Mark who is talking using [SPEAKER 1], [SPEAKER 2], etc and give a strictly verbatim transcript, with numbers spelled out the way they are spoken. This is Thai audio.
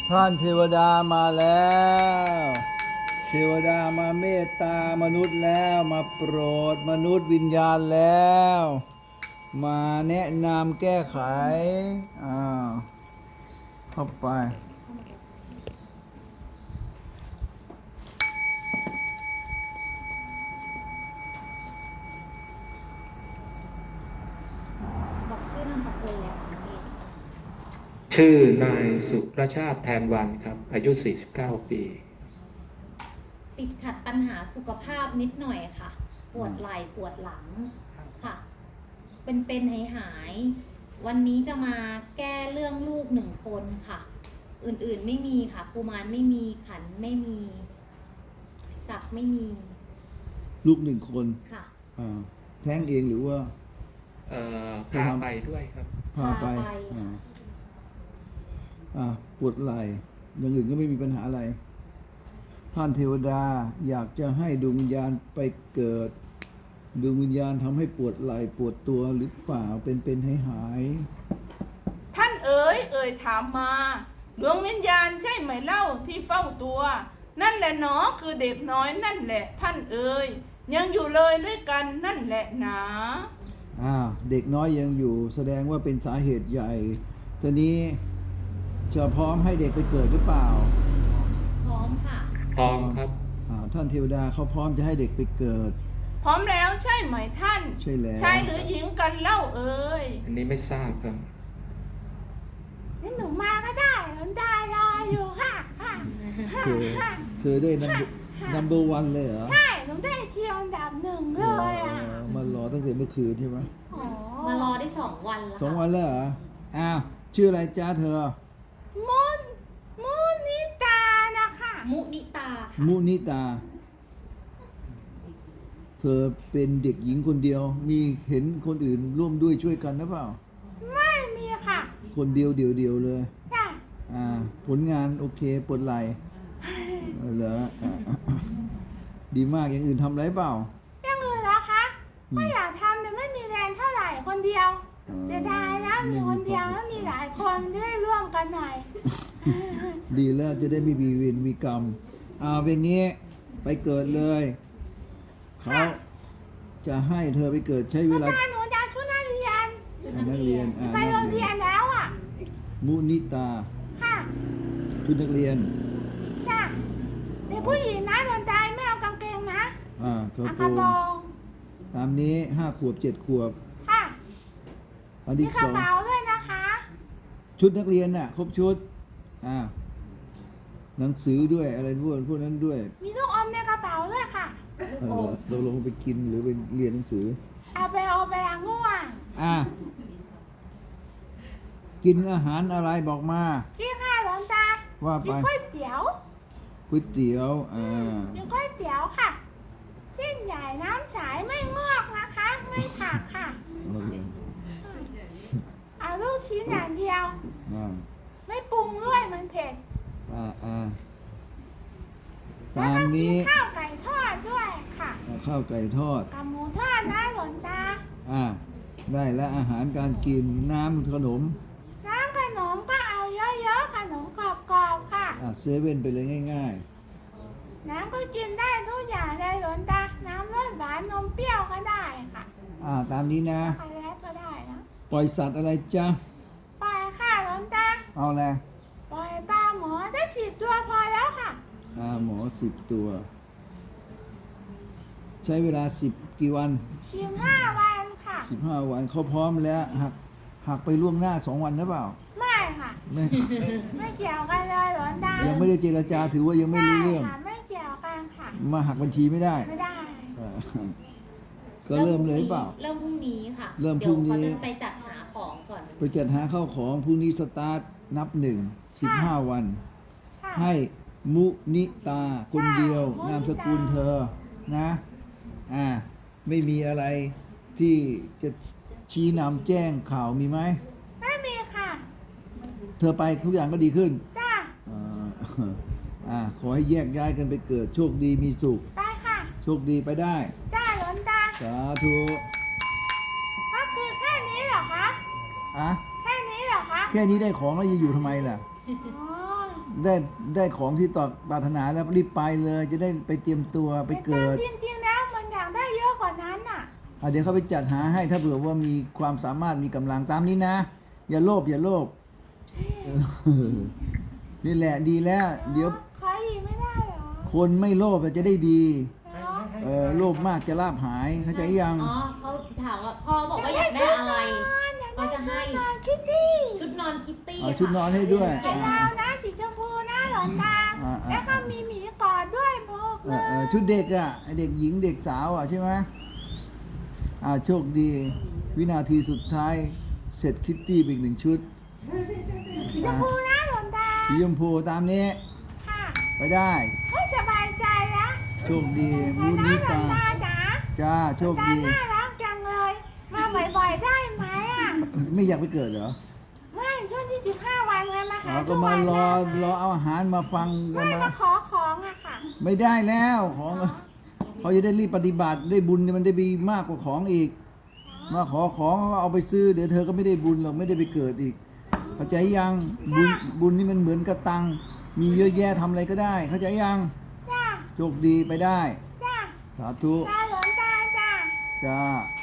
[SPEAKER 1] ท่านเทวดามาแล้ว เทวดามาเมตตามนุษย์แล้วมาโปรดมนุษย์วิญญาณแล้ว มาแนะนำแก้ไขอ้าวเข้าไป
[SPEAKER 2] บอกชื่อนามสกุลแล้วค่ะพี่
[SPEAKER 3] ชื่อนายสุรชาติแทนวันครับ อายุ สี่สิบเก้า ปี
[SPEAKER 2] ติดขัดปัญหาสุขภาพนิดหน่อยค่ะ ปวดไหล่ปวดหลังค่ะ เป็นเป็นหายหายๆวันนี้จะมาแก้เรื่องลูกหนึ่งคนค่ะ อื่นๆไม่มีค่ะกุมารไม่มีขันไม่มีศักดิ์ไม่มี
[SPEAKER 1] ลูกหนึ่งคน
[SPEAKER 2] ค่ะ
[SPEAKER 1] อ่าแท้งเองหรือว่า
[SPEAKER 3] เอ่อพาไปด้วยครับ
[SPEAKER 1] พาไป
[SPEAKER 2] พาไป
[SPEAKER 1] อ่าอ่าปวดไหล่อย่างอื่นก็ไม่มีปัญหาอะไรท่านเทวดาอยากจะให้ดวงวิญญาณไปเกิดดวงวิญญาณทำให้ปวดไหล่ปวดตัวหรือเปล่าเป็นเป็นให้หาย
[SPEAKER 4] ท่านเอ๋ยเอ่ยถามมาดวงวิญญาณใช่ไหมเล่าที่เฝ้าตัว นั่นแหละหนอคือเด็กน้อยนั่นแหละท่านเอ๋ยยังอยู่เลยด้วยกันนั่นแหละหนา
[SPEAKER 1] อ่าเด็กน้อยยังอยู่ แสดงว่าเป็นสาเหตุใหญ่ทีนี้จะพร้อมให้เด็กไปเกิดหรือเปล่า
[SPEAKER 2] พร้อมค่ะ
[SPEAKER 3] พร้อมครับ
[SPEAKER 1] อ่าท่านเทวดาเขาพร้อมจะให้เด็กไปเกิด
[SPEAKER 4] พร้อมแล้วใช่ไหมท่าน
[SPEAKER 1] ใช่แล้ว
[SPEAKER 4] ชายหรือหญิงกันเล่าเอ๋ย
[SPEAKER 3] อันนี้ไม่ทราบครับ
[SPEAKER 4] นี่หนูมาก็ได้หลวงตารออยู่ค่ะค่ะ
[SPEAKER 1] เธอเธอได้นัมนัมเบอร์วันเลยเหรอ
[SPEAKER 4] ใช่หนูได้เชียวอันดับหนึ่งเลยอ่ะ
[SPEAKER 1] เออมารอตั้งแต่เมื่อคืนใช่ไหม
[SPEAKER 4] อ๋อ
[SPEAKER 2] มารอได้สองวันแล้ว
[SPEAKER 1] สอง
[SPEAKER 2] ค่ะ
[SPEAKER 1] วันแล้วเหรออ้าวชื่ออะไรจ้าเธอ
[SPEAKER 4] มุนมุนิตานะคะ
[SPEAKER 2] มุนิตาค่ะ
[SPEAKER 1] มุนิตา เธอเป็นเด็กหญิงคนเดียว มีเห็นคนอื่นร่วมด้วยช่วยกันหรือเปล่า
[SPEAKER 4] ไม่มีค่ะ
[SPEAKER 1] คนเดียวเดียวเดียวเลย
[SPEAKER 4] จ้ะ
[SPEAKER 1] อ่า ผลงานโอเคปวดไหล่เออเหรออ่าดีมากอย่างอื่นทำไรเปล่า
[SPEAKER 4] ยังอื่นเหรอคะ
[SPEAKER 1] อืม
[SPEAKER 4] ไม่อยากทำแต่ไม่มีแรงเท่าไหร่คนเดียว
[SPEAKER 1] เออ
[SPEAKER 4] จะได้นะมีคนเดียวแล้วมีหลายคนจะได้ร่วมกันหน่อย
[SPEAKER 1] ดีแล้วจะได้ไม่มีเวรมีกรรมเอาเป็นงี้ไปเกิดเลยเขาจะให้เธอไปเกิดใช้เวลา
[SPEAKER 4] ตาหนูจะชุดนักเรียน
[SPEAKER 1] อ่านักเรียนอ่า
[SPEAKER 4] ไปโร
[SPEAKER 1] นั
[SPEAKER 4] ง
[SPEAKER 1] กเรี
[SPEAKER 4] เรี
[SPEAKER 1] ย
[SPEAKER 4] ย
[SPEAKER 1] น
[SPEAKER 4] นแล้วอ่ะ
[SPEAKER 1] มุนิตา
[SPEAKER 4] ค่ะ
[SPEAKER 1] ชุดนักเรียน
[SPEAKER 4] จ้ะเด็กผู้หญิงนะโดนตายไม่เอากางเกงนะ
[SPEAKER 1] อ่ากระ
[SPEAKER 4] เอา
[SPEAKER 1] โป
[SPEAKER 4] ก
[SPEAKER 1] ร
[SPEAKER 4] ระ
[SPEAKER 1] ง
[SPEAKER 4] โปรง
[SPEAKER 1] ตามนี้ห้าขวบเจ็ดขวบ
[SPEAKER 4] ค่ะ
[SPEAKER 1] อัน
[SPEAKER 4] มี
[SPEAKER 1] ที่
[SPEAKER 4] ก
[SPEAKER 1] ส
[SPEAKER 4] ระ
[SPEAKER 1] อง
[SPEAKER 4] เป๋าด้วยนะคะ
[SPEAKER 1] ชุดนักเรียนน่ะ ครบชุดอ่าหนังสือด้วยอะไรพวกพวกนั้นด้วย
[SPEAKER 4] มีลูกอมในกระเป๋าด้วยค่ะ
[SPEAKER 1] เออเราลงไปกินหรือไปเรียนหนังสือ
[SPEAKER 4] เอาไปเอาไปล้างง่วง
[SPEAKER 1] อ่ากินอาหารอะไรบอกมา
[SPEAKER 4] กินข้าวหลวงตา
[SPEAKER 1] ว่า
[SPEAKER 4] กิ
[SPEAKER 1] ไป
[SPEAKER 4] นก๋วยเตี๋ยว
[SPEAKER 1] ก๋วยเตี๋ยวอ่า
[SPEAKER 4] กินก๋วยเตี๋ยวค่ะเส้นใหญ่น้ำใสไม่งอกนะคะ ไม่ผักค่ะ
[SPEAKER 1] โอเค
[SPEAKER 4] เอาลูกชิ้นอย่างเดียว
[SPEAKER 1] อ่า
[SPEAKER 4] ไม่ปรุงด้วยมันเผ็ด
[SPEAKER 1] อ่าอ่า
[SPEAKER 4] แล้ว
[SPEAKER 1] ตาม
[SPEAKER 4] ก็กิ
[SPEAKER 1] นี้
[SPEAKER 4] นข้าวไก่ทอดด้วยค่ะ
[SPEAKER 1] อ่าข้าวไก่ทอด
[SPEAKER 4] กับหมูทอดนะหลวงตา
[SPEAKER 1] อ่า ได้แล้วอาหารการกินน้ำขนม
[SPEAKER 4] น้ำขนมก็เอาเยอะๆขนมกรอบๆค่ะ
[SPEAKER 1] อ่าเซเว่นไปเลยง่าย
[SPEAKER 4] น้ำก็กินได้ทุกอย่างเลยหลวงตา น้ำรสหวานนมเปรี้ยวก็ได้ค่ะ
[SPEAKER 1] ๆ อ่า ตามนี้นะ
[SPEAKER 4] ช็อกโกแลตก็ได้นะ
[SPEAKER 1] ปล่อยสัตว์อะไรจ๊ะ
[SPEAKER 4] ปล่อยค่ะหลวงตา
[SPEAKER 1] เอาแหละ
[SPEAKER 4] ปล่อยปลาหมอจะฉีดตัวพอแล้วค่ะ
[SPEAKER 1] อ่าหมอสิบตัว ใช้เวลาสิบกี่วัน
[SPEAKER 4] ชิมห้าวันค่ะ
[SPEAKER 1] สิบห้าวันเขาพร้อมแล้วหักหักไปล่วงหน้าสองวันหรือเปล่า
[SPEAKER 4] ไม่ค่ะ
[SPEAKER 1] ไม่
[SPEAKER 4] ไม่เกี่ยวกันเลยหลวงตา
[SPEAKER 1] ยังไม่ได้เจรจาถือว่ายังไม่รู้เรื่อง
[SPEAKER 4] ใช่ค่ะไม่เกี่ยวกันค่ะ
[SPEAKER 1] มาหักบัญชีไม่ได้
[SPEAKER 4] ไม่ได้
[SPEAKER 1] อ่าก็เริ่มเลยเปล่า
[SPEAKER 2] เริ่มพรุ่งนี้ค่ะ
[SPEAKER 1] เริ่มพรุ่งนี้
[SPEAKER 2] เดี๋ยวเขาจะไปจัดหาของก่อน
[SPEAKER 1] ไปจัดหาข้าวของพรุ่งนี้สตาร์ทนับหนึ่งสิบห้าวัน
[SPEAKER 4] ค่ะ
[SPEAKER 1] ให้มุนิตาคนเดียว
[SPEAKER 4] ใช่
[SPEAKER 1] นามสกุลเธอนะอ่าไม่มีอะไรที่จะชี้นำแจ้งข่าวมีไหม
[SPEAKER 4] ไม่มีค่ะ
[SPEAKER 1] เธอไปทุกอย่างก็ดีขึ้น
[SPEAKER 4] จ้า
[SPEAKER 1] อ่าอ่าขอให้แยกย้ายกันไปเกิดโชคดีมีสุข
[SPEAKER 4] ไปค่ะ
[SPEAKER 1] โชคดีไปได้
[SPEAKER 4] จ้าหลวงตา
[SPEAKER 1] สาธุ
[SPEAKER 4] ก็คือแค่นี้เหรอคะ
[SPEAKER 1] อ่ะ
[SPEAKER 4] แค่นี้เหรอคะ
[SPEAKER 1] แค่นี้ได้ของแล้วจะอยู่ทำไมล่ะ
[SPEAKER 4] อ๋อ
[SPEAKER 1] ได้ได้ของที่ต่อปรารถนาแล้วรีบไปเลย จะได้ไปเตรียมตัวไปเกิด
[SPEAKER 4] แต่จริงๆแล้วมันอยากได้เยอะกว่านั้นน่ะ
[SPEAKER 1] อ่ะเดี๋ยวเขาไปจัดหาให้ถ้าเผื่อว่ามีความสามารถมีกำลังตามนี้นะ อย่าโลภอย่าโลภเออนี่แหละดีแล้ว เดี๋ยว
[SPEAKER 4] ขออีกไม่ได้เหรอ
[SPEAKER 1] คนไม่โลภจะได้ดี
[SPEAKER 4] เหรอ
[SPEAKER 1] เออโลภมากจะลาภหายเข้าใจยัง
[SPEAKER 2] อ๋อเขาถามว่าพ่อบอกว่าอยากได้อะไร เขาจะให้
[SPEAKER 4] นอนคิตตี้
[SPEAKER 2] ชุดนอนคิตตี้
[SPEAKER 1] เอาชุดนอนให้ด้วย
[SPEAKER 2] ค่ะ
[SPEAKER 4] ยาวนะสีชมพูนะหลอนตา
[SPEAKER 1] อ่าอ่า
[SPEAKER 4] แล้วก็มีหมีกอดด้วยพก
[SPEAKER 1] เอ
[SPEAKER 4] เล
[SPEAKER 1] อเออย ชุดเด็กอ่ะไอ้เด็กหญิงเด็กสาวอ่ะใช่ไหมอ่าโชคดี วินาทีสุดท้ายเสร็จคิตตี้ไปอีกหนึ่งชุด
[SPEAKER 4] สีชมพูนะหลอนตา
[SPEAKER 1] สีชมพูตามนี้
[SPEAKER 4] ค่ะ
[SPEAKER 1] ไปได้
[SPEAKER 4] ให้สบายใจนะ
[SPEAKER 1] โชคดี
[SPEAKER 4] ไป
[SPEAKER 1] บุญ
[SPEAKER 4] นะ
[SPEAKER 1] นี้
[SPEAKER 4] หลอ
[SPEAKER 1] ตาน
[SPEAKER 4] ตาจ๋า
[SPEAKER 1] จ้าโชค
[SPEAKER 4] ตา
[SPEAKER 1] ดี
[SPEAKER 4] น่ารักจังเลย มาบ่อยๆได้ไหมอ่ะ
[SPEAKER 1] ไม่อยากไปเกิดเหรอ
[SPEAKER 4] ไม่ช่วงที่สิบห้าวันเลยมา
[SPEAKER 1] อ๋
[SPEAKER 4] หา
[SPEAKER 1] อ
[SPEAKER 4] ทุ
[SPEAKER 1] ก็
[SPEAKER 4] ก
[SPEAKER 1] มา
[SPEAKER 4] วัน
[SPEAKER 1] รอ
[SPEAKER 4] ได้
[SPEAKER 1] รอเอาอาหารมาฟังกัน
[SPEAKER 4] ไม่
[SPEAKER 1] มา
[SPEAKER 4] มาขอของอะค่ะ
[SPEAKER 1] ไม่ได้แล้วของเขาจะได้รีบปฏิบัติได้บุญมันได้มีมากกว่าของอีก มาขอของก็เอาไปซื้อเดี๋ยวเธอก็ไม่ได้บุญหรอกไม่ได้ไปเกิดอีกเข้าใจยังบุญบุญนี่มันเหมือนกระตัง มีเยอะแยะทำอะไรก็ได้ เข้าใจยัง
[SPEAKER 4] จ้า
[SPEAKER 1] โชคดีไปได้
[SPEAKER 4] จ้า
[SPEAKER 1] สาธุ
[SPEAKER 4] ตาหลอนตาจ้า
[SPEAKER 1] จ้า